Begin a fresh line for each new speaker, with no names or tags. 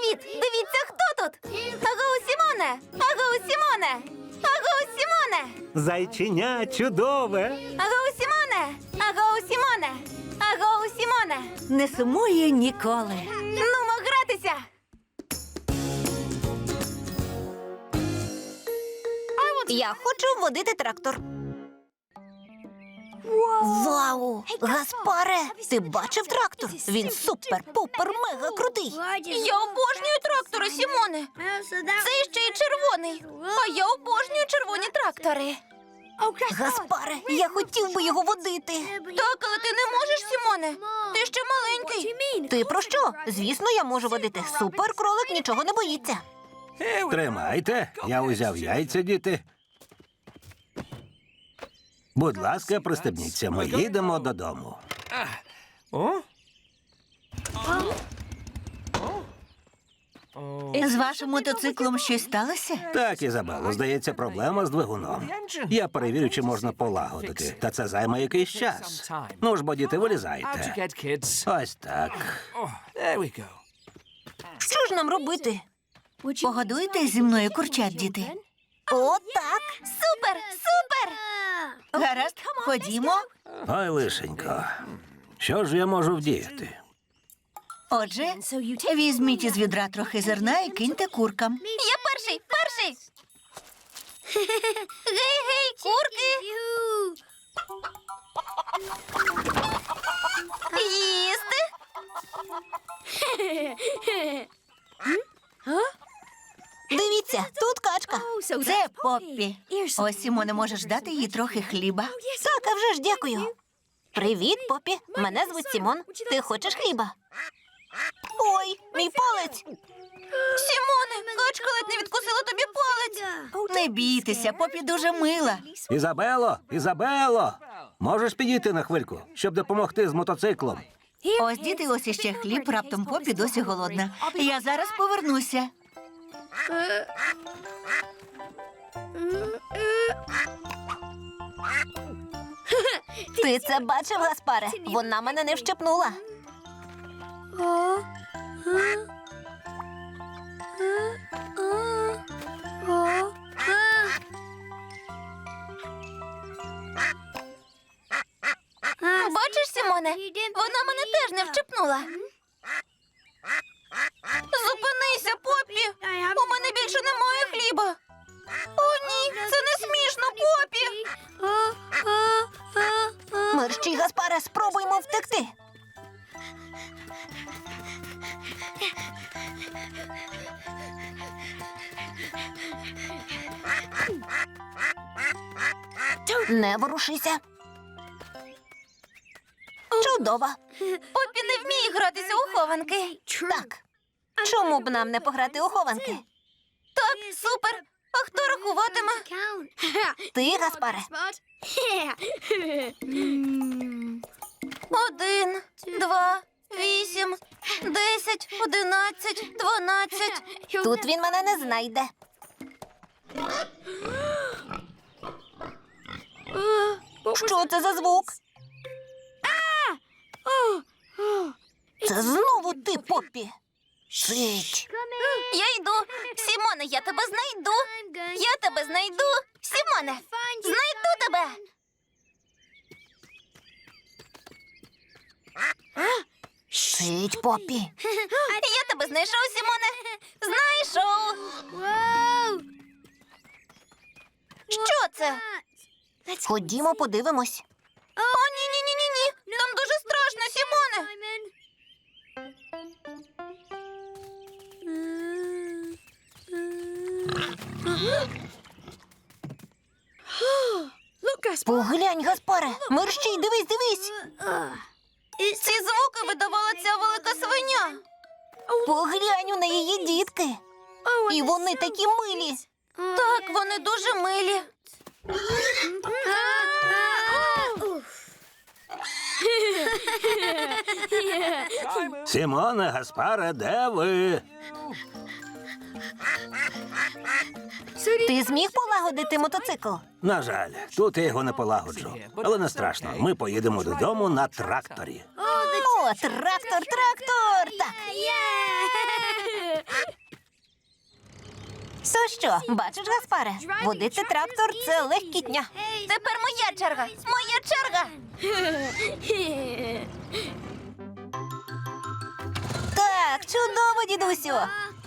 Привіт! Дивіться, хто тут! Агоу, Сімоне! Агоу, Сімоне! Агоу, Сімоне!
Зайченя чудове.
Агоу, Сімоне! Агоу, Сімоне! Агоу, Сімоне!
Не сумує ніколи.
Нумо гратися!
Я хочу водити трактор. Вау! Гаспаре, ти бачив трактор? Він супер-пупер-мега крутий.
Я обожнюю трактори, Сімоне! Це ще й червоний! А я обожнюю червоні трактори!
Гаспаре, я хотів би його водити.
Так, але ти не можеш, Сімоне! Ти ще маленький!
Ти про що? Звісно, я можу водити. Супер-кролик нічого не боїться.
Тримайте, я узяв яйця, діти. Будь ласка, пристебніться, ми їдемо додому.
З вашим мотоциклом щось сталося?
Так, Ізабело, здається, проблема з двигуном. Я перевірю, чи можна полагодити. Та це займе якийсь час. Ну ж бо, діти, вилізайте. Ось так.
Що ж нам робити? Погодуйте зі мною курчат, діти. О, так.
Супер! Супер!
Гаразд, ходімо.
Ой, лишенько. Що ж я можу вдіяти?
Отже, візьміть із відра трохи зерна і киньте куркам.
Я перший! Перший! Гей-гей, курки! Їсти!
Дивіться, тут качка. Це Поппі. Ось, Сімоне, можеш дати їй трохи хліба. Так, а вже ж дякую. Привіт, Поппі. Мене звуть Сімон. Ти хочеш хліба? Ой, мій палець.
Сімоне, качка ледь не відкусила тобі палець!
Не бійтеся, Поппі дуже мила.
Ізабело, Ізабело! Можеш підійти на хвильку, щоб допомогти з мотоциклом?
Ось, діти, ось іще хліб, раптом Поппі досі голодна. Я зараз повернуся. Ти це бачив, Гаспаре? Вона мене не вщепнула.
Бачиш, Сімоне, вона мене теж не вчепнула. Зупинися, Поппі! У мене більше немає хліба. О, ні, це не смішно, Поппі!
Мерщій, Гаспаре, спробуймо втекти. Не ворушися. Чудово.
Поппі не вміє гратися у хованки.
Так. Чому б нам не пограти у хованки?
Так, супер. А хто рахуватиме?
Ти, Гаспаре.
1, 2, 8, 10, 11, 12.
Тут він мене не знайде. Що це за звук? Це знову ти, Поппі. Цить.
Я йду. Сімоне, я тебе знайду. Я тебе знайду. Сімоне, знайду тебе.
Цить, Поппі.
Я тебе знайшов, Сімоне. Знайшов. Що це?
Ходімо, подивимось.
О, ні. Там дуже страшно, Сімоне.
Поглянь, Гаспаре. Мерщій, дивись.
Ці звуки видавала ця велика свиня.
Поглянь, у неї є дітки. І вони такі милі.
Так, вони дуже милі.
Сімоне, Гаспаре, де ви?
Ти зміг полагодити мотоцикл?
На жаль, тут я його не полагоджу. Але не страшно, ми поїдемо додому на тракторі.
О, трактор! Так. То що, бачиш, Гаспаре? Водити трактор – це легкітня.
Тепер моя черга. Моя черга.
Так, чудово, дідусю.